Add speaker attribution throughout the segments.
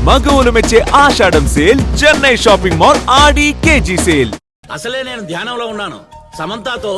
Speaker 1: మగవులు మెచ్చే Ashadham sale Chennai shopping mall Aadi KG sale.
Speaker 2: అసలే నేను ధ్యానంలో ఉన్నాను. సమంతతో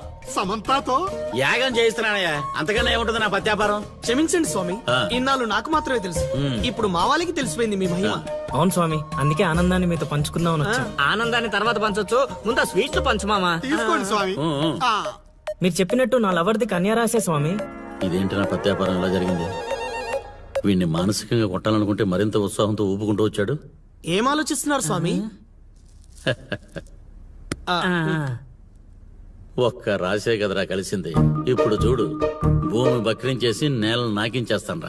Speaker 2: యాగం చేయిస్తున్నానయ్యా. అంతకన్నా ఏముంటుంది నా పత్యాపారం.
Speaker 3: క్షమించండి స్వామి, ఇన్నాళ్ళు నాకు మాత్రమే తెలుసు. ఇప్పుడు మా వాళ్ళకి తెలిసిపోయింది మీ మహిమ.
Speaker 4: అవును స్వామి, అందుకే ఆనందాన్ని మీతో పంచుకుందామని వచ్చా.
Speaker 5: ఆనందాన్ని తర్వాత పంచొచ్చు, ముందు స్వీట్లు పంచు మామా.
Speaker 3: తీసుకోండి స్వామి.
Speaker 4: మీరు చెప్పినట్టు నా లవర్ది కన్యారాశే స్వామి.
Speaker 2: ఇదేంటి నా పత్యాపారం ఇలా జరిగింది? వీడిని మానసికంగా కొట్టాలనుకుంటే మరింత ఉత్సాహంతో ఊపుకుంటూ వచ్చాడు.
Speaker 3: ఏం ఆలోచిస్తున్నారు స్వామి?
Speaker 2: ఒక్క రాసే కదరా కలిసింది. ఇప్పుడు చూడు, భూమి బక్రించేసి నేలను నాకించేస్తాన్రా.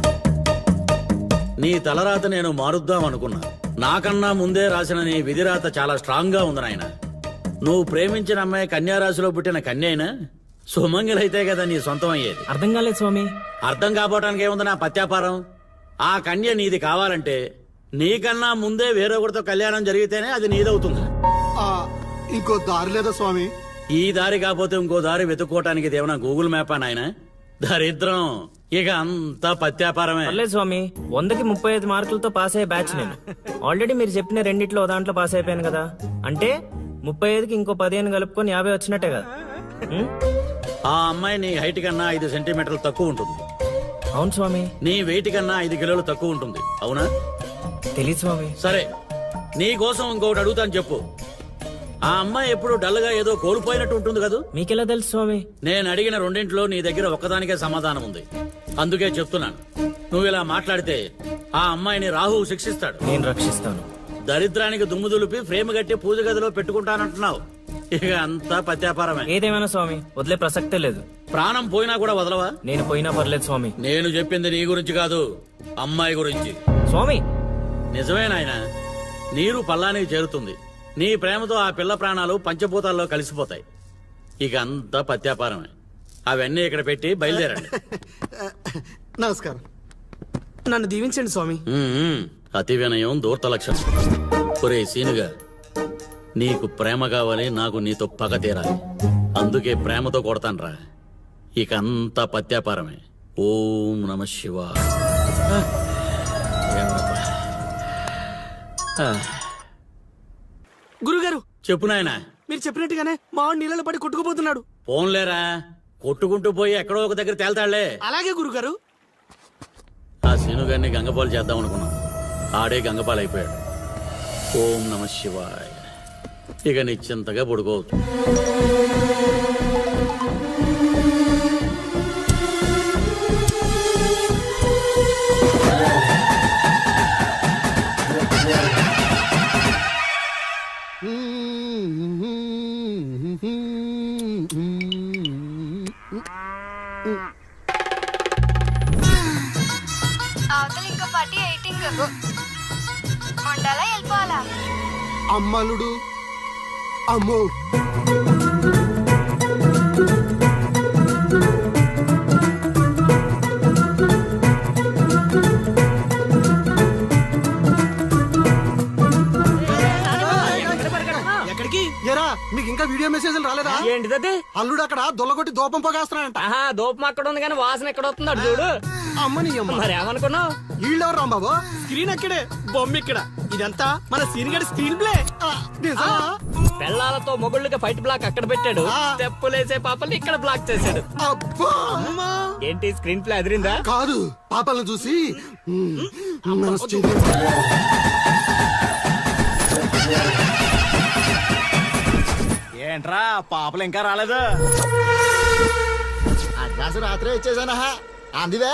Speaker 2: నీ తలరాత నేను మారుద్దాం అనుకున్నా. నాకన్నా ముందే రాసిన నీ విధిరాత చాలా స్ట్రాంగ్ గా ఉంది నాయన. నువ్వు ప్రేమించిన అమ్మాయి కన్యారాశిలో పుట్టిన కన్య అయినా సుమంగిలైతే కదా నీ సొంతం అయ్యేది.
Speaker 4: అర్థం కాలేదు స్వామి.
Speaker 2: అర్థం కాపోవటానికి ఏముంది నా పత్యాపారం? ఆ కన్య నీది కావాలంటే నీకన్నా ముందే వేరొకరితో కళ్యాణం జరిగితేనే అది నీదవుతుంది.
Speaker 3: ఇంకో దారి లేదా స్వామి?
Speaker 2: ఈ దారి కాకపోతే ఇంకో దారి వెతుక్కోవటానికి ఇదేమన్నా గూగుల్ మ్యాపా నాయన? దరిద్రం. ఇక అంతా పత్యాపారమే.
Speaker 4: పర్లేదు స్వామి, 100కి 35 మార్కులతో పాస్ అయ్యే బ్యాచ్ నేను. ఆల్రెడీ మీరు చెప్పిన రెండిట్లో దాంట్లో పాస్ అయిపోయాను కదా. అంటే 35కి ఇంకో 15 కలుపుకొని 50 వచ్చినట్టే కదా.
Speaker 2: ఆ అమ్మాయి నీ హైట్ కన్నా 5 సెంటీమీటర్లు తక్కువ ఉంటుంది.
Speaker 4: అవును స్వామి.
Speaker 2: నీ వెయిట్ కన్నా 5 కిలోలు తక్కువ ఉంటుంది. అవునా?
Speaker 4: తెలియదు స్వామి.
Speaker 2: సరే, నీ కోసం ఇంకొకటి అడుగుతాను, చెప్పు. ఆ అమ్మాయి ఎప్పుడు డల్ గా ఏదో కోల్పోయినట్టు ఉంటుంది కదా?
Speaker 4: మీకెలా తెలుసు స్వామి?
Speaker 2: నేను అడిగిన రెండింటిలో నీ దగ్గర ఒక్కదానికే సమాధానం ఉంది. అందుకే చెప్తున్నాను, నువ్వు ఇలా మాట్లాడితే ఆ అమ్మాయిని రాహువు శిక్షిస్తాడు.
Speaker 4: నేను రక్షిస్తాను.
Speaker 2: దరిద్రానికి దుమ్ము దులిపి ఫ్రేమ్ కట్టి పూజ గదిలో పెట్టుకుంటానంటున్నావు. ఇక అంతా పత్యాపారమే.
Speaker 4: ఏదేమైనా స్వామి, వదిలే ప్రసక్తే లేదు.
Speaker 2: ప్రాణం పోయినా కూడా వదలవా?
Speaker 4: నేను పోయినా పర్లేదు స్వామి.
Speaker 2: నేను చెప్పింది నీ గురించి కాదు, అమ్మాయి గురించి.
Speaker 4: స్వామి
Speaker 2: నిజమే నాయనా, నీరు పల్లానికి చేరుతుంది. నీ ప్రేమతో ఆ పిల్ల ప్రాణాలు పంచభూతాల్లో కలిసిపోతాయి. ఇక అంతా పత్యాపారమే. అవన్నీ ఇక్కడ పెట్టి బయలుదేరండి.
Speaker 3: నమస్కారం. నన్ను దీవించండి స్వామి.
Speaker 2: అతి వినయం దూర్త లక్షణం. ఒరే సీనుగా, నీకు ప్రేమ కావాలి, నాకు నీతో పగ తీరాలి. అందుకే ప్రేమతో కొడతాన్రా. ఇక అంతా పత్యాపారమే. ఓం నమ శివాయ.
Speaker 3: గురుగారు
Speaker 2: చెప్పు నాయనా.
Speaker 3: మీరు చెప్పినట్టుగానే మా వాడు నీళ్ళలో పడి కొట్టుకుపోతున్నాడు.
Speaker 2: పోన్లేరా, కొట్టుకుంటూ పోయి ఎక్కడో ఒక దగ్గర తేల్తాళ్లే.
Speaker 3: అలాగే గురుగారు.
Speaker 2: ఆ సీనుగారిని గంగపాలు చేద్దాం అనుకున్నాం, ఆడే గంగపాలు అయిపోయాడు. ఓం నమ శివాయ. ఇక నిశ్చింతగా పడుకోవచ్చు.
Speaker 6: అవతల ఇంకో పార్టీ ఎయిటింగ్ ఉండాలా వెళ్ళిపోవాలా?
Speaker 3: అమ్మలుడు అమ్మో. ఎక్కడికి ఎరా? మీకు ఇంకా వీడియో మెసేజ్లు రాలేదా?
Speaker 5: ఏంటిది?
Speaker 3: అల్లుడు అక్కడ దొల్లగొట్టి దూపం పోగేస్తున్నాడంట.
Speaker 5: దూపం అక్కడ ఉంది కానీ వాసన ఎక్కడ వస్తున్నాడు చూడు.
Speaker 3: అమ్మని అమ్మ.
Speaker 5: మరి ఏమనుకున్నావు?
Speaker 3: వీళ్ళెవరు రాంబాబు? స్క్రీన్ అక్కడే, బొమ్మ ఇక్కడ. ఇదంతా మన సీనియర్ స్క్రీన్ ప్లే.
Speaker 5: పెళ్ళాలతో మొగుళ్ళకి ఫైట్ బ్లాక్ అక్కడ పెట్టాడు, తెప్పులేసే పాపల్ని ఇక్కడ బ్లాక్ చేశాడు.
Speaker 3: అబ్బా అమ్మా.
Speaker 5: ఏంటి స్క్రీన్ ప్లే అదిరిందా?
Speaker 3: కాదు, పాపలను చూసి
Speaker 7: ఏంట్రా పాపలు ఇంకా రాలేదు?
Speaker 3: అడ్వాన్స్ రాత్రే ఇచ్చేసానా? అందివే.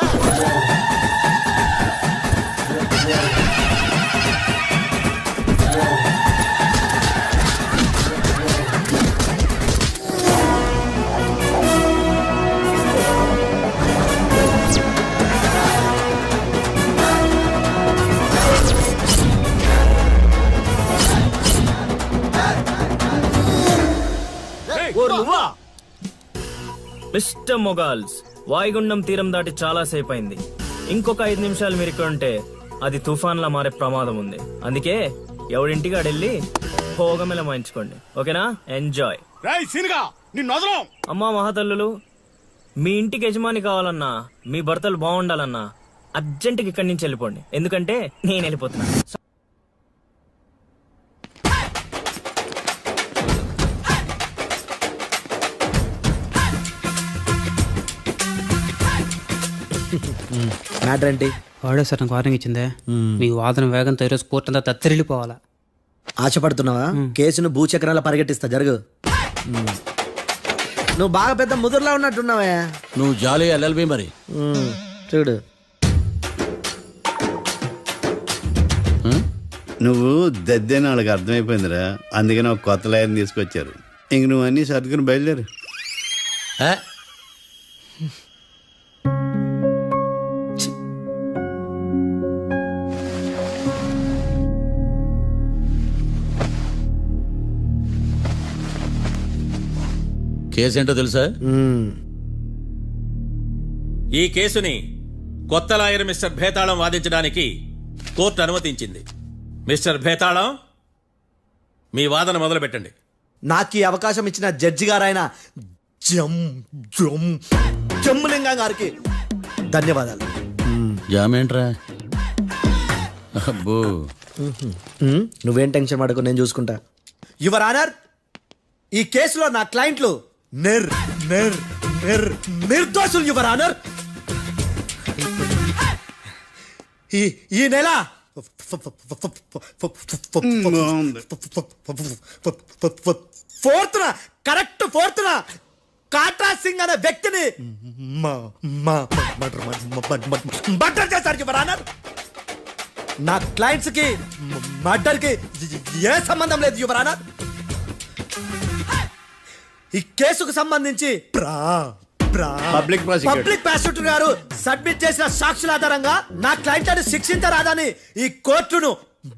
Speaker 4: మిస్టర్ మొగాల్స్, వాయుగుండం తీరం దాటి చాలా సేపు అయింది. ఇంకొక 5 నిమిషాలు మీరు ఇక్కడ ఉంటే అది తుఫాన్లా మారే ప్రమాదం ఉంది. అందుకే ఎవడింటికి ఆడెళ్ళి భోగమెల మాయించుకోండి. ఓకేనా? ఎంజాయ్. అమ్మా మహాతల్లులు, మీ ఇంటికి యజమాని కావాలన్నా, మీ భర్తలు బాగుండాలన్నా అర్జెంటుగా ఇక్కడి నుంచి వెళ్ళిపోండి, ఎందుకంటే నేను వెళ్ళిపోతున్నా.
Speaker 3: మ్యాటర్ ఏంటి?
Speaker 7: వాడే సార్ నాకు వార్నింగ్ ఇచ్చిందే, మీ వాదన వేగంతో ఈరోజు కోర్టు అంతా తత్తరిల్లిపోవాలా.
Speaker 3: ఆశపడుతున్నావా? కేసును భూచక్రాల పరిగెట్టిస్తా, జరుగు. నువ్వు బాగా పెద్ద ముదురులా ఉన్నట్టున్నావే.
Speaker 2: నువ్వు జాలి ఎల్ఎల్బి మరి.
Speaker 3: చూడు,
Speaker 8: నువ్వు దద్దేని వాళ్ళకి అర్థమైపోయిందిరా, అందుకని ఒక కొత్త లాయర్ని తీసుకొచ్చారు. ఇంక నువ్వు అన్నీ సర్దుకుని బయలుదేరు.
Speaker 2: ఏ? కేసేంటో తెలుసా?
Speaker 9: ఈ కేసుని కొత్త లాయర్ మిస్టర్ భేతాళం వాదించడానికి కోర్టు అనుమతించింది. మిస్టర్ భేతాళం, మీ వాదన మొదలు పెట్టండి.
Speaker 3: నాకు ఈ అవకాశం ఇచ్చిన జడ్జి గారైన జమ్ములింగం గారికి ధన్యవాదాలు.
Speaker 2: జామేంట్రా? అబ్బో,
Speaker 3: నువ్వేం టెన్షన్ పడకు, నేను చూసుకుంటా. యువర్ ఆనర్, ఈ కేసులో నా క్లయింట్లు నిర్దోషులు యువర్ ఆనర్. ఈ నెల ఫోర్త్న కాట్రా సింగ్ అనే వ్యక్తిని మర్డర్ చేశారు యువర్ ఆనర్. నా క్లయింట్స్ కి మర్డర్ కి ఏ సంబంధం లేదు యువర్ ఆనర్. ఈ కేసుకు సంబంధించి
Speaker 8: పబ్లిక్ ప్రాసిక్యూటర్
Speaker 3: పబ్లిక్ ప్రాసిక్యూటర్ గారు సబ్మిట్ చేసిన సాక్షుల ఆధారంగా నా క్లయింట్ అని శిక్షించరాదని ఈ కోర్టును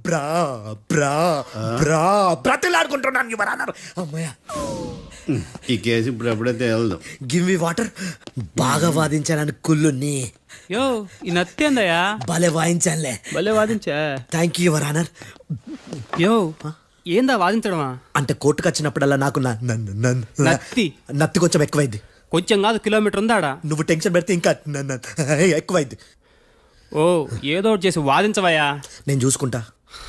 Speaker 3: బ్రతిలాడుకుంటున్నాను యువర్ ఆనర్. అమ్మయ్య,
Speaker 8: ఈ కేసు ఇప్పుడు ఎప్పుడైతే వెళ్దాం.
Speaker 3: Give me water. బాగా వాదించానని కుళ్ళుని
Speaker 7: యో ఈ నత్తేందయ్యా,
Speaker 3: భలే వాయించానులే.
Speaker 7: భలే వాదించా.
Speaker 3: Thank you your honour.
Speaker 7: యో ఏందా వాదించడమా?
Speaker 3: అంటే కోర్టుకు వచ్చినప్పుడల్లా నాకు నత్తి కొంచెం ఎక్కువైంది.
Speaker 7: కొంచెం కాదు, కిలోమీటర్ ఉందాడా.
Speaker 3: నువ్వు టెన్షన్ పెడితే ఇంకా ఎక్కువైంది.
Speaker 7: ఓ ఏదో ఒకటి చేసి వాదించవయ్యా.
Speaker 3: నేను చూసుకుంటా.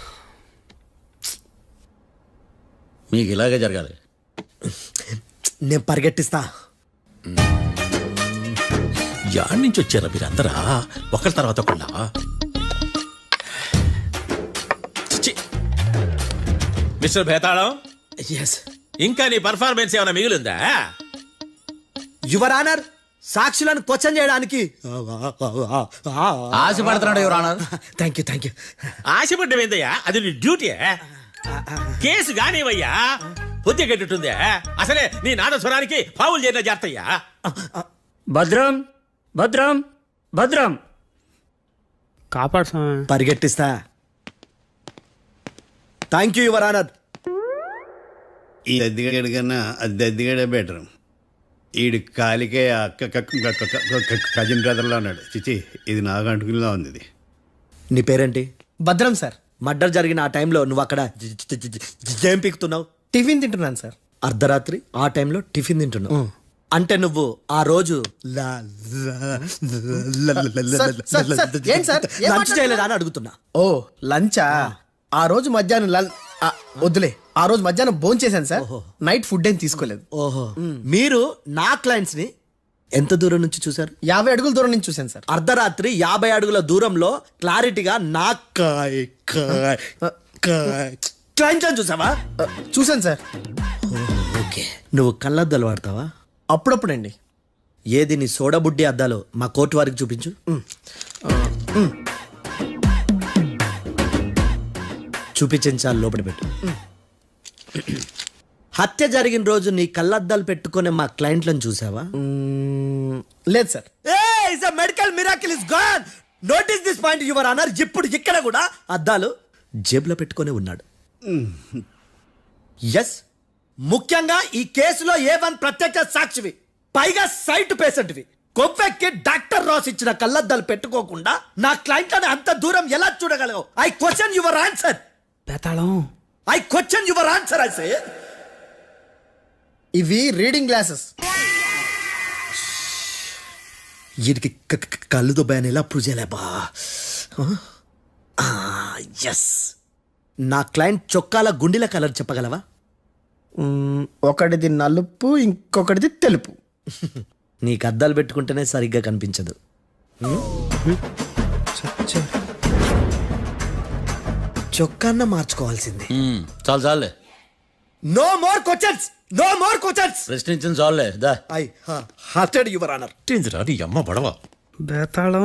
Speaker 2: మీకు ఇలాగే జరగాలి.
Speaker 3: నేను పరిగెట్టిస్తా.
Speaker 9: యాడ్ నుంచి వచ్చారా మీరందరా ఒకరి తర్వాత ఒకళ్ళ? మిస్టర్ భేతాళం,
Speaker 3: ఎస్
Speaker 9: ఇంకా నీ పర్ఫార్మెన్స్ ఏమైనా మిగిలిందా?
Speaker 3: యువర్ ఆనర్, సాక్షులను క్వశ్చన్ చేయడానికి
Speaker 2: ఆశపడుతున్నాడు యువర్ ఆనర్.
Speaker 3: Thank you.
Speaker 9: ఆశపడ్డం ఏందయ్యా, అది నీ డ్యూటీ. కేసు గానివయ్యా, బుద్ధి గట్టుందే. అసలే నీ నాదస్వరానికి పావులు చేరిన జాగ్రత్తయ్యా.
Speaker 7: భద్రం భద్రం భద్రం కాపాడు స్వామి.
Speaker 3: పరిగెట్టిస్తా. Thank you your honour.
Speaker 8: ఈ దద్దిగడి కన్నా అది దద్దిగడే బెటర్. ఈడు కాలికే కజిన్ బ్రదర్లో ఉన్నాడు. చిచి, ఇది నాకు అంటుకునిలా ఉంది. ఇది
Speaker 3: నీ పేరేంటి?
Speaker 10: భద్రం సార్.
Speaker 3: మర్డర్ జరిగిన ఆ టైంలో నువ్వు అక్కడ ఏం పీకుతున్నావు?
Speaker 10: టిఫిన్ తింటున్నాను సార్.
Speaker 3: అర్ధరాత్రి ఆ టైంలో టిఫిన్ తింటున్నావు అంటే నువ్వు ఆ రోజు
Speaker 10: ఏం సార్?
Speaker 3: లంచ్ చేయలేదా అని అడుగుతున్నా.
Speaker 10: ఓ లంచా? ఆ రోజు మధ్యాహ్నం వద్దులే, ఆ రోజు మధ్యాహ్నం భోజనం చేశాను సార్. నైట్ ఫుడ్ ఏం తీసుకోలేదు.
Speaker 3: ఓహో, మీరు నా క్లయింట్స్ ని ఎంత దూరం నుంచి చూసారు?
Speaker 10: 50 అడుగుల దూరం నుంచి చూశాను సార్.
Speaker 3: అర్ధరాత్రి 50 అడుగుల దూరంలో క్లారిటీగా నా క్లయింట్ అని చూసావా?
Speaker 10: చూశాను సార్.
Speaker 3: ఓకే, నువ్వు కళ్ళద్దాలు వాడతావా?
Speaker 10: అప్పుడప్పుడండి.
Speaker 3: ఏది నీ సోడబుడ్డి అద్దాలు మా కోర్టు వారికి చూపించు. చూపించాలి, లోపల పెట్టు. హత్య జరిగిన రోజు నీ కళ్ళద్దాలు పెట్టుకునే మా క్లయింట్లను చూసావా?
Speaker 10: లేదు sir.
Speaker 3: Medical miracle is gone. Notice this point your honour. ఇప్పుడు ఇక్కడ కూడా అద్దాలు జేబులో పెట్టుకునే ఉన్నాడు. ఎస్, ముఖ్యంగా ఈ కేసులో A1 ప్రత్యక్ష సాక్షివి, పైగా సైట్ పేషెంట్వి. కొవ్వెక్కి డాక్టర్ రాస్ ఇచ్చిన కళ్ళద్దాలు పెట్టుకోకుండా నా క్లయింట్ అని అంత దూరం ఎలా చూడగలవు? I question your answer.
Speaker 7: Betalam,
Speaker 3: I question your answer. I say
Speaker 10: ఇవి రీడింగ్ గ్లాసెస్.
Speaker 3: వీటికి కళ్ళు దుబ్బాయని ఎలా అప్రూవ్ చేయలేబా? ఎస్, నా క్లయింట్ చొక్కాల గుండెల కలర్ చెప్పగలవా?
Speaker 10: ఒకటిది నలుపు, ఇంకొకటిది తెలుపు.
Speaker 3: నీకు అద్దాలు పెట్టుకుంటేనే సరిగ్గా కనిపించదు. చొక్కాన్న మార్చుకోవాల్సింది.
Speaker 2: చాలు చాలులే,
Speaker 3: no more questions, no more questions.
Speaker 2: ప్రశ్నించిన చాలులే దా.
Speaker 3: I hearted your honour.
Speaker 9: నీ అమ్మ పడవ.
Speaker 7: Betalam.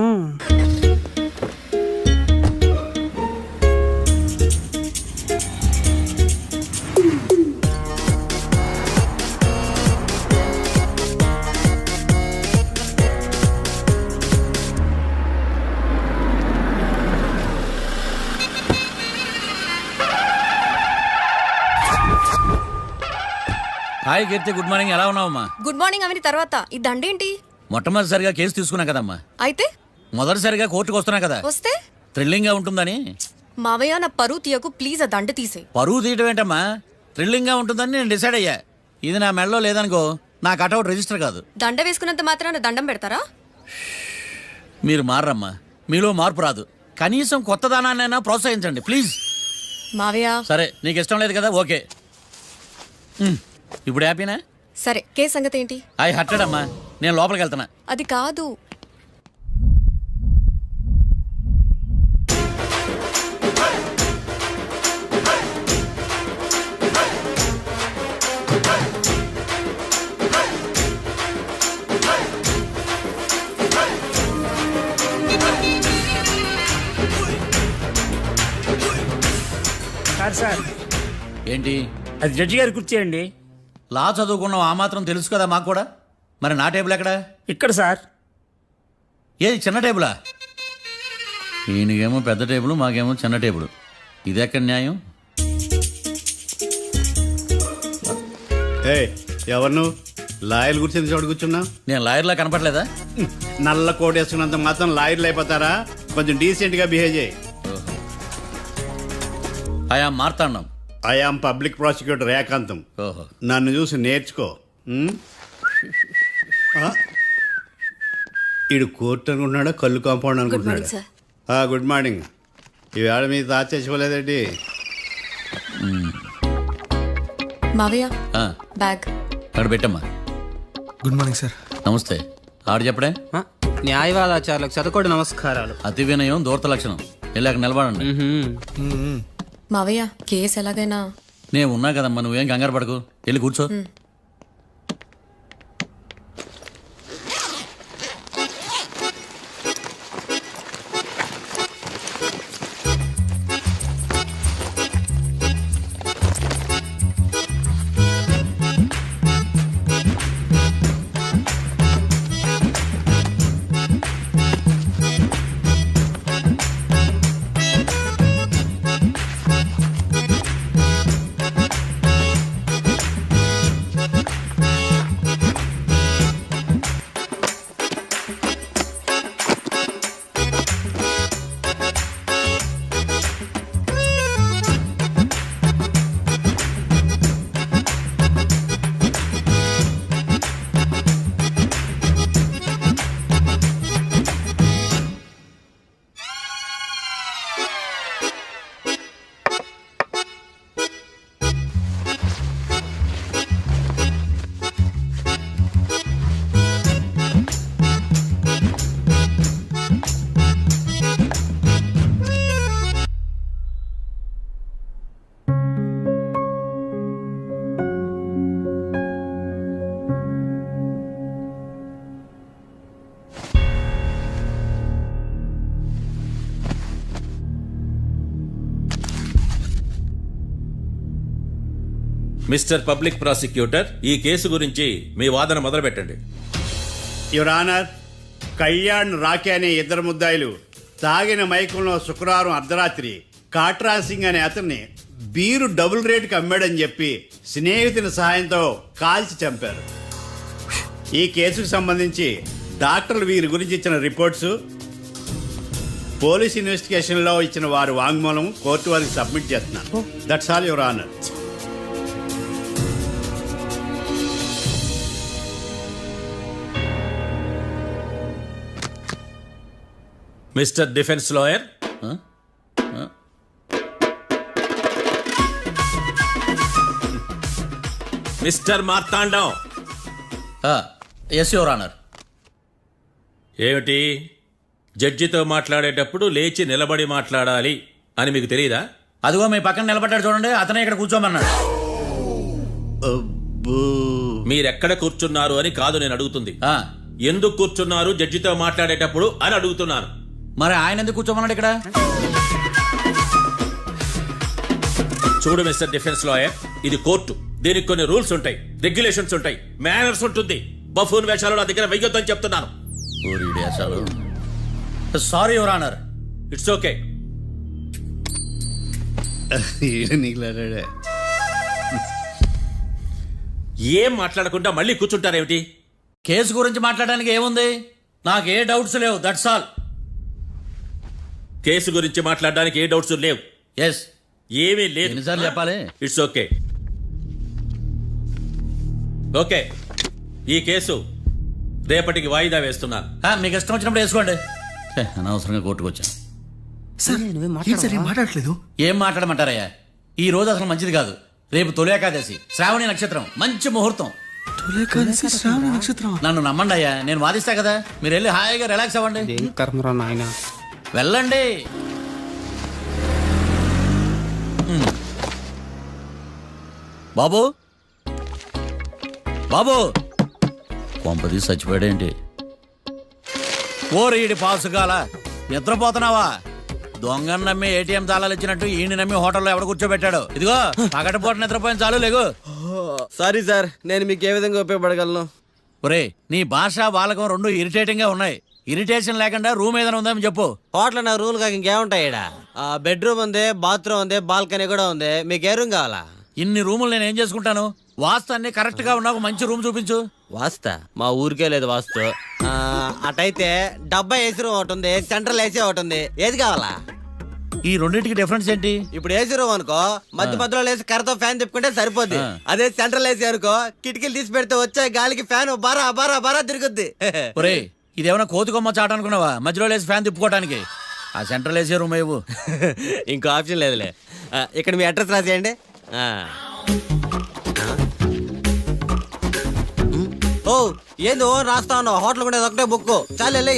Speaker 2: Hi Keerthi, good morning. ఎలా ఉన్నావమ్మా?
Speaker 6: గుడ్ మార్నింగ్ అవని తర్వాత ఈ దండేంటి?
Speaker 2: మొట్టమొదటిసారిగా కేసు తీసుకున్నా కదమ్మా.
Speaker 6: అయితే
Speaker 2: మొదటిసారిగా కోర్టుకు వస్తున్నా కదా,
Speaker 6: వస్తే
Speaker 2: థ్రిల్లింగ్ గా ఉంటుందని.
Speaker 6: మావయ్య నా పరువు తీయకు ప్లీజ్, ఆ దండ తీసే.
Speaker 2: పరువు తీయటం ఏంటమ్మా, థ్రిల్లింగ్ గా ఉంటుందని నేను డిసైడ్ అయ్యా. ఇది నా మెడలో లేదనుకో, నా కటౌట్ రిజిస్టర్ కాదు.
Speaker 6: దండ వేసుకున్నంత మాత్రాన దండం పెడతారా?
Speaker 2: మీరు మారమ్మా, మీలో మార్పు రాదు. కనీసం కొత్త దానాన్నైనా ప్రోత్సహించండి ప్లీజ్.
Speaker 6: మావయ్య
Speaker 2: సరే, నీకు ఇష్టం లేదు కదా, ఓకే. ఇప్పుడు హ్యాపీనా?
Speaker 6: సరే, కేసు సంగతి ఏంటి?
Speaker 2: ఐ హర్టెడ్ అమ్మా, నేను లోపలికి వెళ్తున్నా.
Speaker 6: అది కాదు.
Speaker 7: సార్
Speaker 2: ఏంటి?
Speaker 7: అది జడ్జి గారి కుర్చీ అండి.
Speaker 2: లా చదువుకున్నాం, ఆ మాత్రం తెలుసు కదా మాకు కూడా. మరి నా టేబుల్ ఎక్కడ?
Speaker 7: ఇక్కడ సార్.
Speaker 2: ఏది, చిన్న టేబులా? ఈయనకేమో పెద్ద టేబుల్, మాకేమో చిన్న టేబుల్. ఇది ఎక్కడ న్యాయం?
Speaker 8: ఏ ఎవరు నువ్వు? లాయర్లు కూర్చొని చోటు కూర్చున్నా?
Speaker 2: నేను లాయర్లా కనపడలేదా?
Speaker 8: నల్ల కోట్ వేసుకున్నంత మాత్రం లాయర్లు అయిపోతారా? కొంచెం డీసెంట్ గా బిహేవ్ చేయి.
Speaker 2: ఆయా మార్తాండం.
Speaker 8: ఐఆమ్ పబ్లిక్ ప్రాసిక్యూటర్ ఏకాంతం.
Speaker 2: ఓహో,
Speaker 8: నన్ను చూసి నేర్చుకో. ఈడు కోర్టు అనుకుంటున్నాడా, కళ్ళు కాంపౌండ్ అనుకుంటున్నాడా?
Speaker 6: సార్.
Speaker 8: Good morning. ఈవేళ మీద దాచేసుకోలేదండి.
Speaker 6: మావయ్య
Speaker 2: ఆ,
Speaker 6: బ్యాగ్.
Speaker 2: అక్కడ పెట్టమ్మా.
Speaker 10: Good morning sir.
Speaker 2: నమస్తే. ఆడు చెప్పడే.
Speaker 7: న్యాయవాదాచారులకు చదువుకోండి నమస్కారాలు.
Speaker 2: అతి వినయం దూరత లక్షణం. వెళ్ళాక నిలబడండి.
Speaker 6: మావయ్య కేసు ఎలాగైనా.
Speaker 2: నేను ఉన్నా కదమ్మా, నువ్వేం కంగారు పడకు. వెళ్ళి కూర్చో.
Speaker 9: మిస్టర్ పబ్లిక్ ప్రాసిక్యూటర్, ఈ కేసు గురించి మీ వాదన మొదలు పెట్టండి.
Speaker 8: యువర్ ఆనర్, కళ్యాణ్ రాకే అనే ఇద్దరు ముద్దాయిలు తాగిన మైకంలో శుక్రవారం అర్ధరాత్రి కాట్రా సింగ్ అనే అతన్ని బీరు డబుల్ రేటుకి అమ్మాడని చెప్పి స్నేహితుని సహాయంతో కాల్చి చంపారు. ఈ కేసుకు సంబంధించి డాక్టర్లు వీరి గురించి ఇచ్చిన రిపోర్ట్స్, పోలీస్ ఇన్వెస్టిగేషన్లో ఇచ్చిన వారి వాంగ్మూలం కోర్టు వారికి సబ్మిట్ చేస్తున్నాను. That's all your honour.
Speaker 9: Mister defence lawyer, mister Marthandam.
Speaker 2: Yes your honour.
Speaker 9: ఏమిటి, జడ్జితో మాట్లాడేటప్పుడు లేచి నిలబడి మాట్లాడాలి అని మీకు తెలియదా?
Speaker 2: అదిగో మీ పక్కన నిలబడ్డాడు చూడండి, అతనే ఇక్కడ కూర్చోమన్నాడు.
Speaker 9: మీరెక్కడ కూర్చున్నారు అని కాదు నేను అడుగుతుంది. ఎందుకు కూర్చున్నారు జడ్జితో మాట్లాడేటప్పుడు అని అడుగుతున్నాను.
Speaker 2: మరి ఆయన ఎందుకు కూర్చోమన్నాడు ఇక్కడ?
Speaker 9: చూడు మిస్టర్ డిఫెన్స్ లాయర్, ఇది కోర్టు. దీనికి కొన్ని రూల్స్ ఉంటాయి, రెగ్యులేషన్స్ ఉంటాయి, మేనర్స్ ఉంటుంది. బఫూన్ వేషాలు నా దగ్గర వెయ్యొద్దని చెప్తున్నాను.
Speaker 2: Sorry your honour.
Speaker 9: It's okay. ఏం మాట్లాడకుండా మళ్ళీ కూర్చుంటారేమిటి?
Speaker 2: కేసు గురించి మాట్లాడడానికి ఏముంది? నాకు ఏ డౌట్స్ లేవు, దట్స్ ఆల్.
Speaker 9: కేసు గురించి మాట్లాడడానికి ఏ డౌట్స్ లేవు?
Speaker 2: ఎస్.
Speaker 9: ఏమీ లేదు.
Speaker 2: ఎన్నిసార్లు చెప్పాలి?
Speaker 9: It's okay. ఓకే, ఈ కేసు రేపటికి వాయిదా వేస్తున్నాను.
Speaker 2: మీకు ఇష్టం వచ్చినప్పుడు వేసుకోండి. అనవసరంగా కోర్టుకు వచ్చాను.
Speaker 10: మాట్లాడట్లేదు.
Speaker 2: ఏం మాట్లాడమంటారయ్యా? ఈ రోజు అసలు మంచిది కాదు. రేపు తొలి ఏకాదశి, శ్రావణి నక్షత్రం, మంచి ముహూర్తం. నన్ను నమ్మండి అయ్యా, నేను వాదిస్తా కదా. మీరు వెళ్ళి హాయిగా రిలాక్స్ అవ్వండి.
Speaker 7: ఏం కర్మరా నాయన.
Speaker 2: వెళ్ళండి. బాబు, బాబు, కొంపది చచ్చిపోయాడేంటి? ఓరీడి పాసుగాల, నిద్రపోతున్నావా? దొంగను నమ్మి ఏటీఎం తాళాలు ఇచ్చినట్టు ఈయన నమ్మి హోటల్లో ఎవడ కూర్చోబెట్టాడు? ఇదిగో పగటిపూట నిద్రపోయిన చాలు, లేగు.
Speaker 5: సారీ సార్, నేను మీకు ఏ విధంగా ఉపయోగపడగలను?
Speaker 2: ఒరే, నీ భాష బాలకం రెండు ఇరిటేటింగ్ గా ఉన్నాయి. ఇరిటేషన్ లేకుండా రూమ్ ఏదైనా ఉందని చెప్పు.
Speaker 5: హోటల్ నా రూల్ కాక ఇంకేముంటాయి? బెడ్రూమ్ ఉంది, బాత్రూమ్ ఉంది, బాల్కనీ కూడా ఉంది. మీకు ఏ రూమ్ కావాలా?
Speaker 2: ఇన్ని రూములు నేను ఏం చేసుకుంటాను? వాస్తు అన్ని కరెక్ట్ గా ఉన్న ఒక మంచి రూమ్ చూపించు.
Speaker 5: వాస్తా? మా ఊరికే లేదు వాస్తు. అటైతే డబ్బా ఏసీ రూమ్ ఒకటి ఉంది, సెంట్రల్ ఏసీ ఒకటి ఉంది. ఏది కావాలా?
Speaker 2: ఈ రెండింటికి డిఫరెన్స్ ఏంటి?
Speaker 5: ఇప్పుడు ఏసీ రూమ్ అనుకో, మధ్యలో లేసి కర్రతో ఫ్యాన్ తిప్పుకుంటే సరిపోద్ది. అదే సెంట్రల్ ఏసీ అనుకో, కిటికీలు తీసి పెడితే వచ్చే గాలికి ఫ్యాన్ బారా బారా బారా తిరుగుద్ది.
Speaker 2: ఒరే, ఇదేమన్నా కోతి కొమ్మ చాట అనుకున్నావా? మధ్యలో లేసి ఫ్యాన్ తిప్పుకోవడానికి. ఆ సెంట్రల్ ఏసీ రూమ్ ఏవు.
Speaker 5: ఇంకో ఆప్షన్ లేదులే. ఇక్కడ మీ అడ్రస్ రాసేయండి. ఓ ఏంది ఓ రాస్తా ఉన్నావు? హోటల్ కూడా ఒకటే బుక్ చాలు వెళ్ళి.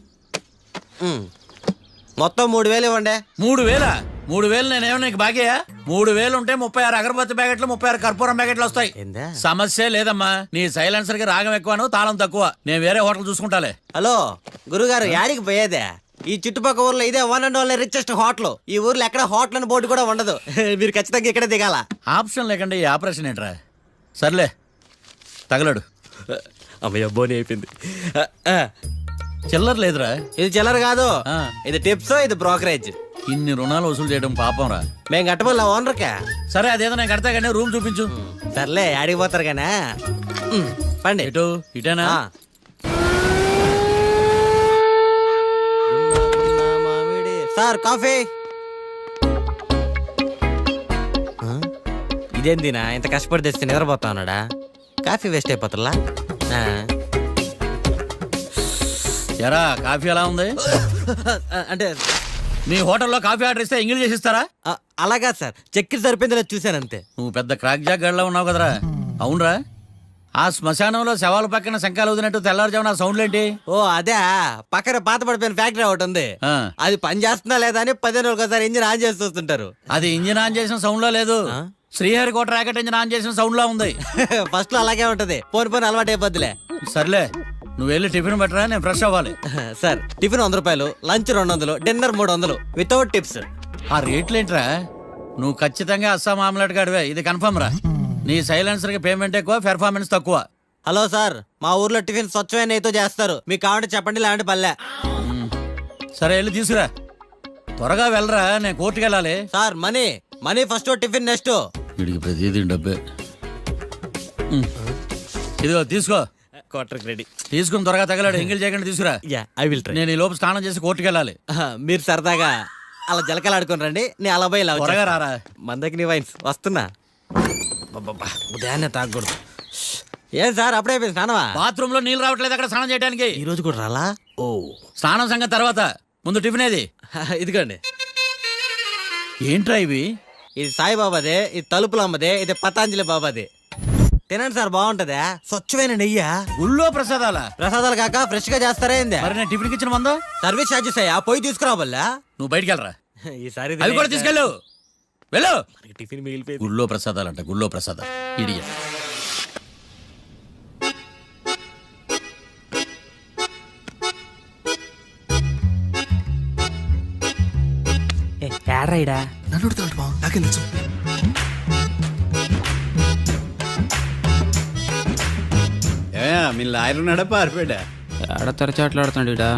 Speaker 5: మొత్తం 3,000 ఇవ్వండి.
Speaker 2: 3,000? 3,000 నేనేమో నీకు బాగేయా? 3,000 ఉంటే 36 అగరబత్తి ప్యాకెట్లు, 36 కర్పూరం ప్యాకెట్లు వస్తాయి.
Speaker 5: ఏందా?
Speaker 2: సమస్య లేదమ్మా. నీ సైలెన్సర్ కి రాగం ఎక్కువను, తాళం తక్కువ. నేను వేరే హోటల్ చూసుకుంటాలే.
Speaker 5: హలో గురుగారు, యాడికి పోయేదే? ఈ చుట్టుపక్కల ఊర్లో ఇదే one and only richest hotel. ఈ ఊర్లో ఎక్కడ హోటల్ అని బోర్డు కూడా ఉండదు. మీరు ఖచ్చితంగా ఇక్కడే దిగాల.
Speaker 2: ఆప్షన్ లేకుండా ఈ ఆపరేషన్ ఏంట్రా? సర్లే, తగలడు.
Speaker 5: అమ్మయ్య, బోని అయిపోయింది.
Speaker 2: చిల్లర లేదురా.
Speaker 5: ఇది చిల్లర కాదు,
Speaker 2: ఆ.
Speaker 5: ఇది టిప్స్, ఇది బ్రోకరేజ్.
Speaker 2: ఇన్ని రుణాలు వసూలు చేయడం పాపం రా.
Speaker 5: మేము కట్టబోలే ఓనర్కే.
Speaker 2: సరే, అదేదో నేను కడతా కానీ రూమ్ చూపించు.
Speaker 5: సర్లే, ఆడికి పోతారు కానీ పండి.
Speaker 2: ఎటు? ఇటేనా?
Speaker 5: Sir coffee. ఇదేందినా ఇంత కష్టపడి తెస్తే నిద్రపోతా ఉన్నాడా? కాఫీ వేస్ట్ అయిపోతుందా?
Speaker 2: ఎరా, కాఫీ ఎలా ఉంది?
Speaker 5: అంటే
Speaker 2: మీ హోటల్లో కాఫీ ఆర్డర్ ఇస్తే ఎంగిల్ చేసిస్తారా?
Speaker 5: అలాగా సార్, చక్కెర సరిపోయింది లేదు చూశాను అంతే.
Speaker 2: నువ్వు పెద్ద క్రాక్ జాక్ గడిలో ఉన్నావు కదరా. అవునరా, ఆ శ్మశానంలో శవాల పక్కన శంఖాలు వదినట్టు తెల్లారుజామున సౌండ్లు ఏంటి?
Speaker 5: ఓ అదే, పక్కన పాత పడిపోయిన ఫ్యాక్టరీ ఒకటి ఉంది.
Speaker 2: ఆ.
Speaker 5: అది పని చేస్తుందా లేదా అని 15 రోజులు ఒకసారి ఇంజిన్ ఆన్ చేసి చూస్తుంటారు.
Speaker 2: అది ఇంజిన్ ఆన్ చేసిన సౌండ్ లో లేదు, శ్రీహరికోట రాకెట్ ఇంజిన్ ఆన్ చేసిన సౌండ్ లో ఉంది.
Speaker 5: ఫస్ట్ లో అలాగే ఉంటది, పోని అలవాటు అయిపోద్దిలే.
Speaker 2: సర్లే, నువ్వు వెళ్ళి టిఫిన్ పెట్టరా, నేను ఫ్రెష్ అవ్వాలి.
Speaker 5: సార్ టిఫిన్ 100 రూపాయలు, లంచ్ 200, డిన్నర్ 300 వితౌట్ టిప్స్.
Speaker 2: ఆ రేట్లు ఏంట్రా? నువ్వు ఖచ్చితంగా అస్సాం ఆమ్లెట్ గాడివే, ఇది కన్ఫర్మ్ రా. నీ సైలెన్సర్ కి పేమెంట్ ఎక్కువ, పెర్ఫార్మెన్స్ తక్కువ.
Speaker 5: హలో సార్, మా ఊర్లో టిఫిన్ స్వచ్ఛమైన నెయ్యితో చేస్తారు. మీకు కావాలంటే చెప్పండి, లేదంటే పల్లె.
Speaker 2: సరే, వెళ్ళి తీసుకురా. త్వరగా వెళ్ళరా, నేను కోర్టుకి వెళ్ళాలి.
Speaker 5: Sir money first, tiffin next.
Speaker 2: వీడికి ప్రతిదీ డబ్బే. ఇదిగో తీసుకో.
Speaker 5: Quarter ready.
Speaker 2: తీసుకుని త్వరగా తగలాడు, ఎంగిల్ చేయకుండా తీసుకురా.
Speaker 5: I will try.
Speaker 2: నేను ఈ లోపు స్నానం చేసి కోర్టుకి వెళ్ళాలి.
Speaker 5: మీరు సరదాగా అలా జలకలు ఆడుకుని రండి, నేను అలా పోయి
Speaker 2: త్వరగా రారా.
Speaker 5: మందకి నీ వైన్స్ వస్తున్నా. ఉదయాన్నే తాగకూడదు. ఏం సార్ అప్పుడే అయిపోయింది స్నానమా?
Speaker 2: బాత్రూమ్ లో నీళ్ళు రావట్లేదు అక్కడ స్నానం చేయడానికి.
Speaker 5: ఈ రోజు కూడా రాలా? ఓ
Speaker 2: స్నానం సంగతి తర్వాత ముందు టిఫిన్ ఏది?
Speaker 5: ఇదిగోండి.
Speaker 2: ఏంట్రా ఇవి?
Speaker 5: ఇది సాయిబాబాదే, ఇది తలుపులమ్మదే, ఇది పతాంజలి బాబాదే. తినండి సార్, బాగుంటదా? స్వచ్ఛమైన నెయ్యా.
Speaker 2: గుళ్ళో ప్రసాదాలా?
Speaker 5: ప్రసాదాలు కాక ఫ్రెష్ గా చేస్తారా ఏంది?
Speaker 2: మరి నేను టిఫిన్కి ఇచ్చిన మందో?
Speaker 5: సర్వీస్ ఛార్జెస్ అయ్యా, పోయి తీసుకురావాలా?
Speaker 2: నువ్వు బయటికి వెళ్ళరా.
Speaker 5: ఈసారి
Speaker 2: అవి కూడా తీసుకెళ్ళు. వెళ్ళు.
Speaker 5: టిఫిన్ మిగిలిపోయి
Speaker 2: గుళ్ళో ప్రసాదాలంట, గుళ్ళో ప్రసాదాలు. ఇడియ.
Speaker 7: ఏడ్రైడా
Speaker 10: నన్ను అడుగుతాడు బావ, నాకేం తెలుసు.
Speaker 8: మీ లాయర్ ఉన్నాడా పారిపోయాడా?
Speaker 7: ఏడ తెరచాట్లాడుతున్నాడు ఈడ.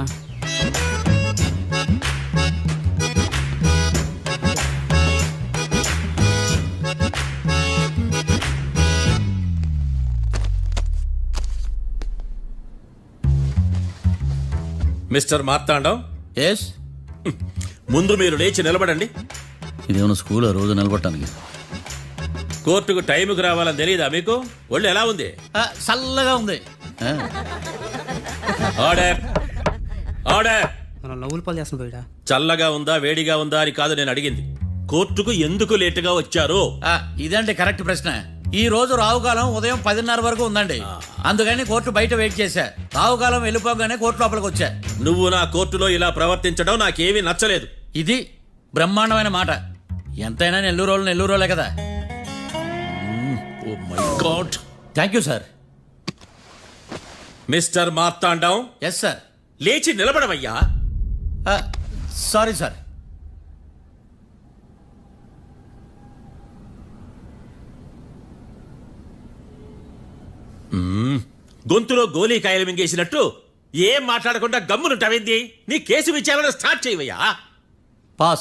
Speaker 9: Mister Marthandam,
Speaker 2: yes.
Speaker 9: ముందు మీరు లేచి నిలబడండి.
Speaker 2: ఇదేమన్నా స్కూల్ రోజు నిలబడటానికి?
Speaker 9: కోర్టుకు టైంకి రావాలని తెలియదా మీకు? ఒళ్ళు ఎలా ఉంది?
Speaker 2: చల్లగా ఉంది.
Speaker 9: Order, order.
Speaker 7: మనం నవ్వులు పాలు చేస్తున్నాం పోయిడా.
Speaker 9: చల్లగా ఉందా వేడిగా ఉందా అని కాదు నేను అడిగింది. కోర్టుకు ఎందుకు లేటుగా వచ్చారు?
Speaker 2: ఇదండి కరెక్ట్ ప్రశ్న. ఈ రోజు రావుకాలం ఉదయం 10:30 వరకు ఉందండి. అందుకని కోర్టు బయట వెయిట్ చేశా. రావుకాలం వెళ్ళిపోగానే కోర్టు లోపలికి వచ్చా.
Speaker 9: నువ్వు నా కోర్టులో ఇలా ప్రవర్తించడం నాకేమీ నచ్చలేదు.
Speaker 2: ఇది బ్రహ్మాండమైన మాట. ఎంతైనా నెల్లూరులే కదా.
Speaker 9: Oh my God.
Speaker 2: Thank you sir.
Speaker 9: Mister Marthandam,
Speaker 2: yes sir.
Speaker 9: లేచి నిలబడవయ్యా.
Speaker 2: Sorry sir.
Speaker 9: గొంతులో గోలీకాయలు మింగేసినట్టు ఏం మాట్లాడకుండా గమ్మునుంటావేంది? నీ కేసు విచారణ స్టార్ట్ చేయవయ్యా.
Speaker 2: పాస్.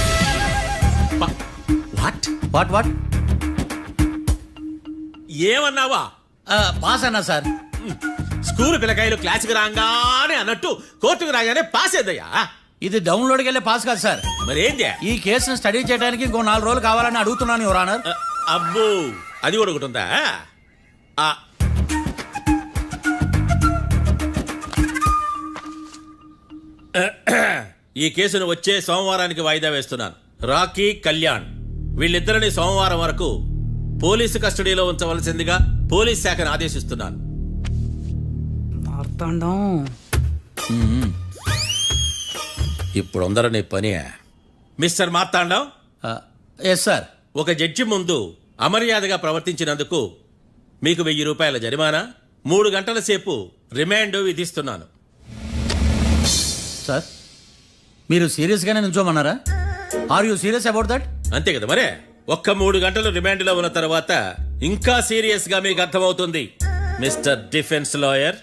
Speaker 9: What
Speaker 2: what what?
Speaker 9: ఏమన్నావా?
Speaker 2: పాస్ అన్నా సార్.
Speaker 9: స్కూల్ పిల్లకాయలు క్లాసుకు రాగానే అన్నట్టు కోర్టుకు రాగానే పాస్ అయ్యా.
Speaker 2: ఇది డౌన్లోడ్కి వెళ్ళే పాస్ కాదు సార్.
Speaker 9: మరేంది?
Speaker 2: ఈ కేసును స్టడీ చేయడానికి ఇంకో 4 రోజులు కావాలని అడుగుతున్నాను యువర్ ఆనర్.
Speaker 9: అబ్బో, అది కూడా ఒకటి ఉందా? ఈ కేసును వచ్చే సోమవారానికి వాయిదా వేస్తున్నాను. రాకీ, కళ్యాణ్ వీళ్ళిద్దరిని సోమవారం వరకు పోలీసు కస్టడీలో ఉంచవలసిందిగా పోలీస్ శాఖను ఆదేశిస్తున్నాను.
Speaker 7: మార్తాండం.
Speaker 9: ఇప్పుడు అందరూ పని. Mister Marthandam,
Speaker 2: yes sir.
Speaker 9: ఒక జడ్జి ముందు అమర్యాదగా ప్రవర్తించినందుకు మీకు 1000 రూపాయల జరిమానా, 3 గంటల సేపు రిమాండ్ విధిస్తున్నాను.
Speaker 2: సార్, మీరు సీరియస్గానే నుంచోమన్నారా? Are you serious about that?
Speaker 9: అంతే కదా మరే. ఒక్క 3 గంటలు రిమాండ్లో ఉన్న తర్వాత ఇంకా సీరియస్ గా మీకు అర్థమవుతుంది మిస్టర్ డిఫెన్స్ లాయర్.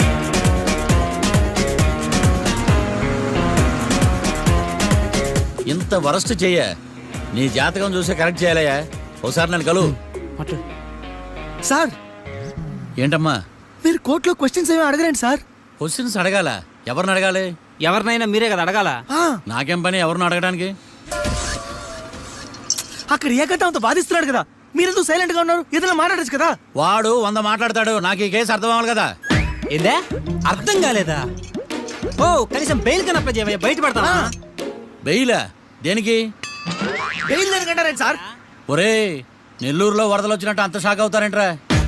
Speaker 2: ఇంత వరస్ట్ చెయ్య. నీ జాతకం చూసే కరెక్ట్ చేయాలయ్యా. ఒకసారి నన్ను కలువు.
Speaker 10: సార్,
Speaker 2: ఏంటమ్మా?
Speaker 10: మీరు కోర్టులో క్వశ్చన్స్ ఏమి అడగరండి సార్.
Speaker 2: క్వశ్చన్స్ అడగాల? ఎవరిని అడగాలి?
Speaker 7: ఎవరినైనా మీరే కదా అడగాల.
Speaker 2: నాకేం పని ఎవరిని అడగడానికి?
Speaker 10: అక్కడ ఏకతాంతో బాధిస్తున్నాడు కదా, మీరెందుకు సైలెంట్ గా ఉన్నారు? ఏదైనా మాట్లాడచ్చు కదా.
Speaker 2: వాడు 100 మాట్లాడతాడు. నాకు ఈ కేసు అర్థం అవ్వాలి కదా.
Speaker 7: ఏందే అర్థం కాలేదా? ఓ కనీసం బెయిల్ కనప్ప చేయవయ్యా, బయట పడతానా?
Speaker 2: బెయిలా? దేనికి?
Speaker 10: బెయిల్ దేనికంటారండి సార్?
Speaker 2: ఒరే, నెల్లూరులో వరదలు వచ్చినట్టు అంత షాక్ అవుతారేంట్రా?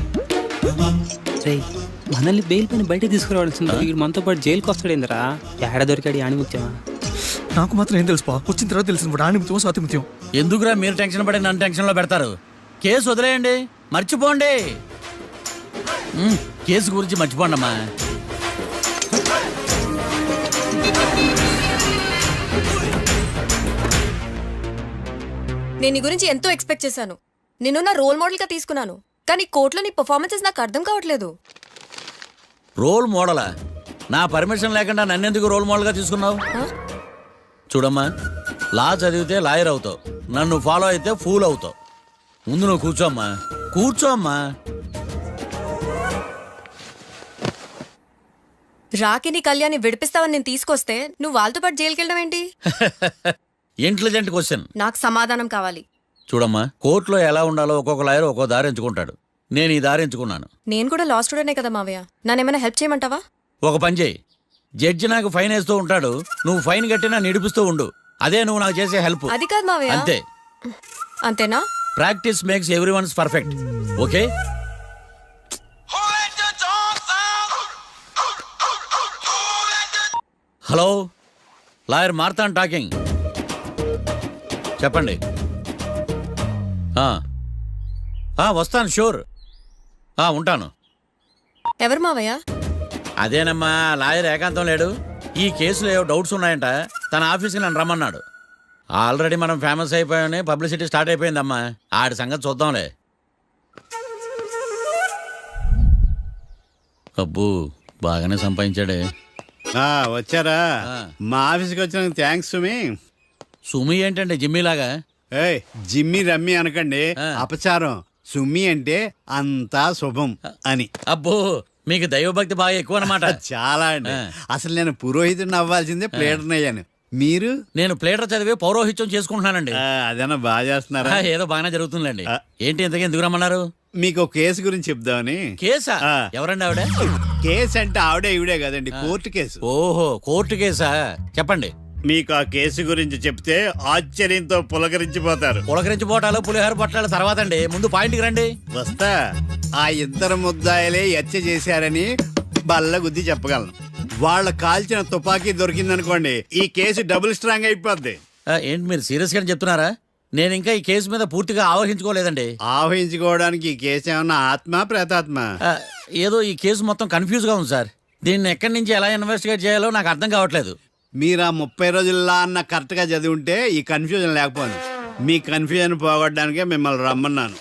Speaker 7: మనల్ని బెయిల్ పైన బయట తీసుకురావాల్సింది. వీడు మనతో పాటు జైలుకి వస్తాడేందిరా? ఏడ దొరికాడు ఆణిముత్యమా?
Speaker 10: నాకు మాత్రం ఏం తెలుసు, వచ్చిన తర్వాత తెలిసిన ఆణిముత్యం స్వాతిముత్యం.
Speaker 2: ఎందుకురా మీరు టెన్షన్ పడి నన్ను టెన్షన్లో పెడతారు? కేసు వదిలేయండి, మర్చిపోండి. కేసు గురించి మర్చిపోండి అమ్మా.
Speaker 6: నేను నీ గురించి ఎంతో ఎక్స్పెక్ట్ చేశాను. నిన్ను నా రోల్ మోడల్ గా తీసుకున్నాను. కానీ కోర్టులో నీ పర్ఫార్మెన్సెస్ నాకు అర్థం కావట్లేదు.
Speaker 2: రోల్ మోడలా? నా పర్మిషన్ లేకుండా నన్నెందుకు రోల్ మోడల్గా తీసుకున్నావు? చూడమ్మా, లా చదివితే లాయర్ అవుతావు, నన్ను ఫాలో అయితే ఫూల్ అవుతావు. ముందు నువ్వు కూర్చోమ్మా, కూర్చోమ్మా.
Speaker 6: రాకిని కళ్యాణ్ని విడిపిస్తావని నేను తీసుకొస్తే నువ్వు వాళ్ళతో పాటు జైలుకి వెళ్ళడం ఏంటి?
Speaker 2: Intelligent question.
Speaker 6: నాకు సమాధానం కావాలి.
Speaker 2: చూడమ్మా, కోర్టులో ఎలా ఉండాలో ఒక్కొక్క లాయర్ ఒక్కో దారి ఎంచుకుంటాడు. నేను ఈ దారి ఎంచుకున్నాను.
Speaker 6: నేను కూడా లా స్టూడెంటే కదా మావయ్య, నన్నేమైనా హెల్ప్ చేయమంటావా?
Speaker 2: ఒక పని చేయి, జడ్జి నాకు ఫైన్ వేస్తూ ఉంటాడు, నువ్వు ఫైన్ కట్టినా నిడిపిస్తూ ఉండు. అదే నువ్వు నాకు చేసే హెల్ప్.
Speaker 6: అది కాదు మావయ్య.
Speaker 2: అంతే.
Speaker 6: అంతేనా?
Speaker 2: Practice makes every ones perfect. Okay. Hello, lawyer Marthan talking. చెప్పండి. వస్తాను, షూర్. ఉంటాను.
Speaker 6: ఎవరు మావయ్య?
Speaker 2: అదేనమ్మా, లాయర్ ఏకాంతం లేడు. ఈ కేసులో ఏవో డౌట్స్ ఉన్నాయంట, తన ఆఫీస్కి నన్ను రమ్మన్నాడు. ఆల్రెడీ మనం ఫేమస్ అయిపోయామని పబ్లిసిటీ స్టార్ట్ అయిపోయిందమ్మా. ఆడి సంగతి చూద్దాంలే. అబ్బు, బాగానే సంపాదించాడే.
Speaker 8: వచ్చారా? మా ఆఫీస్కి వచ్చినందుకు థ్యాంక్స్ సుమి.
Speaker 2: సుమి ఏంటంటే జిమ్మీలాగా?
Speaker 8: ఏయ్, జిమ్మి రమ్మి అనకండి, అపచారం. సుమి అంటే అంతా శుభం అని.
Speaker 2: అబ్బో, మీకు దైవభక్తి బాగా ఎక్కువ అనమాట.
Speaker 8: చాలా అండి. అసలు నేను పురోహితుడిని అవ్వాల్సిందే ప్లేటర్ని అయ్యాను. మీరు?
Speaker 2: నేను ప్లేటర్ చదివి పౌరోహిత్యం చేసుకుంటున్నానండి.
Speaker 8: అదేనా బాగా చేస్తున్నారా?
Speaker 2: ఏదో బాగానే జరుగుతుందండి. ఏంటి ఇంతకీ ఎందుకు రమ్మన్నారు?
Speaker 8: మీకు ఒక కేసు గురించి చెప్దామని.
Speaker 2: కేసా? ఎవరండి ఆవిడ?
Speaker 8: కేసు అంటే ఆవిడే ఈవిడే కదండి, కోర్టు కేసు.
Speaker 2: ఓహో, కోర్టు కేసా? చెప్పండి.
Speaker 8: మీకు ఆ కేసు గురించి చెప్తే ఆశ్చర్యంతో పులకరించిపోతారు.
Speaker 2: పులకరించిపోవటాలు పులిహోర పొట్టాల తర్వాత అండి, ముందు పాయింట్కి రండి.
Speaker 8: వస్తా. ఆ ఇద్దరు ముద్దాయలే హత్య చేశారని బల్ల గుద్ది చెప్పగలను. వాళ్ళ కాల్చిన తుపాకీ దొరికిందనుకోండి, ఈ కేసు డబుల్ స్ట్రాంగ్ అయిపోద్ది.
Speaker 2: ఏంటి మీరు సీరియస్ గా చెప్తున్నారా? నేను ఇంకా ఈ కేసు మీద పూర్తిగా ఆవహించుకోలేదండి.
Speaker 8: ఆవహించుకోవడానికి ఈ కేసు ఏమన్నా ఆత్మ ప్రేతాత్మ?
Speaker 2: ఏదో ఈ కేసు మొత్తం కన్ఫ్యూజ్ గా ఉంది సార్. దీన్ని ఎక్కడి నుంచి ఎలా ఇన్వెస్టిగేట్ చేయాలో నాకు అర్థం కావట్లేదు.
Speaker 8: మీరు ఆ 30 రోజుల్లో అన్న కరెక్ట్ గా చదివి ఉంటే ఈ కన్ఫ్యూజన్ లేకపోయింది. మీ కన్ఫ్యూజన్ పోగొట్టడానికే మిమ్మల్ని రమ్మన్నాను.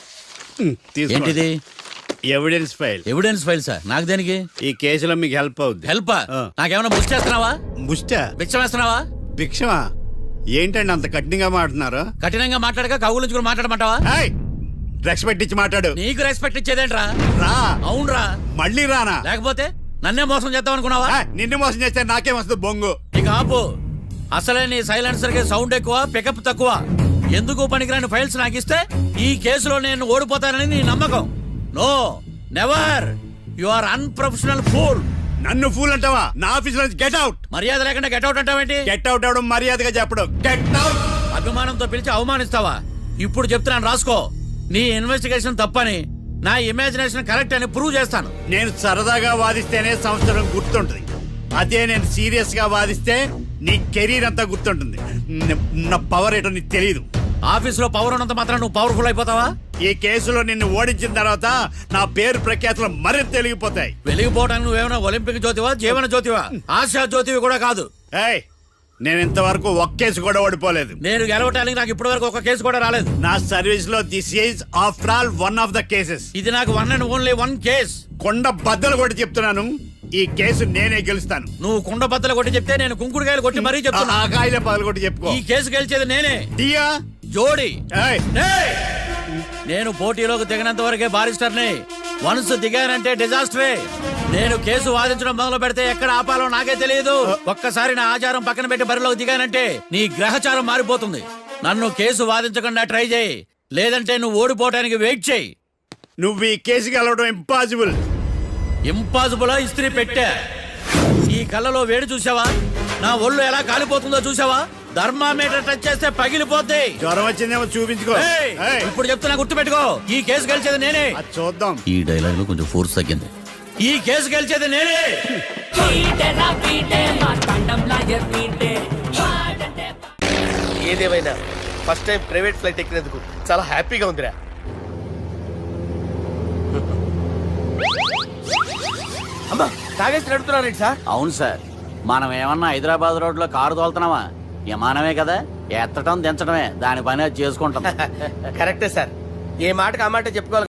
Speaker 2: ఏంటిది?
Speaker 8: Evidence file.
Speaker 2: Evidence file sir? నాకు దేనికి?
Speaker 8: ఈ కేసులో మీకు హెల్ప్ అవుద్ది.
Speaker 2: హెల్ప్? నాకేమైనా ముష్టి చేస్తున్నావా?
Speaker 8: ముష్ట?
Speaker 2: భిక్షం వేస్తున్నావా?
Speaker 8: భిక్షమా? ఏంటండి అంత కఠినంగా మాట్లాడుతున్నారు?
Speaker 2: కఠినంగా మాట్లాడక కవులు మాట్లాడమంటావా?
Speaker 8: రెస్పెక్ట్ ఇచ్చి మాట్లాడు.
Speaker 2: నీకు రెస్పెక్ట్ ఇచ్చేదేంట్రా?
Speaker 8: రా.
Speaker 2: అవునరా?
Speaker 8: మళ్ళీ రానా?
Speaker 2: లేకపోతే నన్నే మోసం చేద్దాం అనుకున్నావా?
Speaker 8: నిన్ను మోసం చేస్తే నాకేం వస్తుంది బొంగు?
Speaker 2: ఇక ఆపు. అసలే నీ సైలెన్సర్ కి సౌండ్ ఎక్కువ, పికప్ తక్కువ. ఎందుకు పనికిరాని ఫైల్స్ నాకు ఇస్తే ఈ కేసులో నేను ఓడిపోతానని నీ నమ్మకం. No, never. You are unprofessional fool.
Speaker 8: నన్ను ఫూల్ అంటావా? నా ఆఫీస్ నుంచి గెట్ అవుట్.
Speaker 2: మర్యాద లేకుండా గెట్ అవుట్ అంటావేంటి?
Speaker 8: గెట్ అవుట్ అవడం మర్యాదగా చెప్పడం. Get out.
Speaker 2: అభిమానంతో పిలిచి అవమానిస్తావా? ఇప్పుడు చెప్తున్నాను, రాసుకో. నీ ఇన్వెస్టిగేషన్ తప్పని, నా ఇమాజినేషన్ కరెక్ట్ అని ప్రూవ్ చేస్తాను.
Speaker 8: నేను సరదాగా వాదిస్తేనే సంవత్సరం గుర్తుంటుంది. అదే నేను సీరియస్ గా వాదిస్తే నీ కెరీర్ అంతా గుర్తుంటుంది. నా పవర్ ఏంటో నీకు తెలియదు.
Speaker 2: ఆఫీసులో పవర్ ఉన్నంత మాత్రం నువ్వు పవర్ఫుల్ అయిపోతావా?
Speaker 8: ఈ కేసులో నిన్ను ఓడించిన తర్వాత నా పేరు ప్రఖ్యాతులు మరింత వెలిగిపోతాయి.
Speaker 2: వెలిగిపోవడానికి నువ్వేమైనా ఒలింపిక్ జ్యోతివా, జీవన జ్యోతివా? ఆశా జ్యోతివి కూడా కాదు.
Speaker 8: ఏయ్, నేను ఇంతవరకు ఒక్క కేసు కూడా ఓడిపోలేదు.
Speaker 2: నేను గెలవటానికి నాకు ఇప్పటి వరకు ఒక కేసు కూడా రాలేదు.
Speaker 8: నా సర్వీస్ లో this is after all one of the cases.
Speaker 2: ఇది నాకు one and only one case.
Speaker 8: కొండ బద్దలు కూడా చెప్తున్నాను, ఈ కేసు నేనే గెలుస్తాను.
Speaker 2: నువ్వు కుండ బద్దలు కొట్టి చెప్తే నేను కుంకుడుకాయలు కొట్టి మరీ చెప్తున్నా.
Speaker 8: ఆ కాయలే పగలు కొట్టి చెప్పుకో.
Speaker 2: ఈ కేసు గెలిచేది నేనే.
Speaker 8: దియా
Speaker 2: జోడి.
Speaker 8: ఏయ్.
Speaker 2: నేను పోటీలోకి దిగినంత వరకే బారిస్టర్ని. వన్స్ దిగానంటే డిజాస్టరే. నేను కేసు వాదించడం మొదలు పెడితే ఎక్కడ ఆపాలో నాకే తెలియదు. ఒక్కసారి నా ఆచారం పక్కన పెట్టి బరిలోకి దిగానంటే నీ గ్రహచారం మారిపోతుంది. నన్ను కేసు వాదించకుండా ట్రై చేయి, లేదంటే నువ్వు ఓడిపోవడానికి వెయిట్ చేయి.
Speaker 8: నువ్వు ఈ కేసు గెలవడం ఇంపాసిబుల్.
Speaker 2: ఇంపాసిబుల్ ఇస్త్రీ పెట్టా. ఈ కళ్ళలో వేడి చూసావా? నా ఒళ్ళు ఎలా కాలిపోతుందో చూసావా? థర్మామీటర్ టచ్ చేస్తే పగిలిపోద్ది.
Speaker 8: జ్వరం వచ్చిందేమో చూపించుకో.
Speaker 2: ఇప్పుడు చెప్తున్నా, గుర్తు పెట్టుకో. ఈ కేసు గెలిచేది నేనే.
Speaker 8: చూద్దాం.
Speaker 2: ఈ డైలాగ్ లో కొంచెం ఫోర్స్ తగ్గింది. ఈ కేసు గెలిచేది నేనే.
Speaker 5: ఏదేమైనా ఫస్ట్ టైం ప్రైవేట్ ఫ్లైట్ ఎక్కినందుకు చాలా హ్యాపీగా ఉందిరా. అమ్మా, తాగేసి నడుపుతున్నారండి సార్?
Speaker 2: అవును సార్. మనం ఏమన్నా హైదరాబాద్ రోడ్ లో కారు తోలుతున్నావా? విమానమే కదా, ఎత్తటం దించడమే. దాని పని అది చేసుకుంటాం.
Speaker 5: కరెక్టే సార్. ఏ మాటకు ఆ మాట చెప్పుకోవాలి.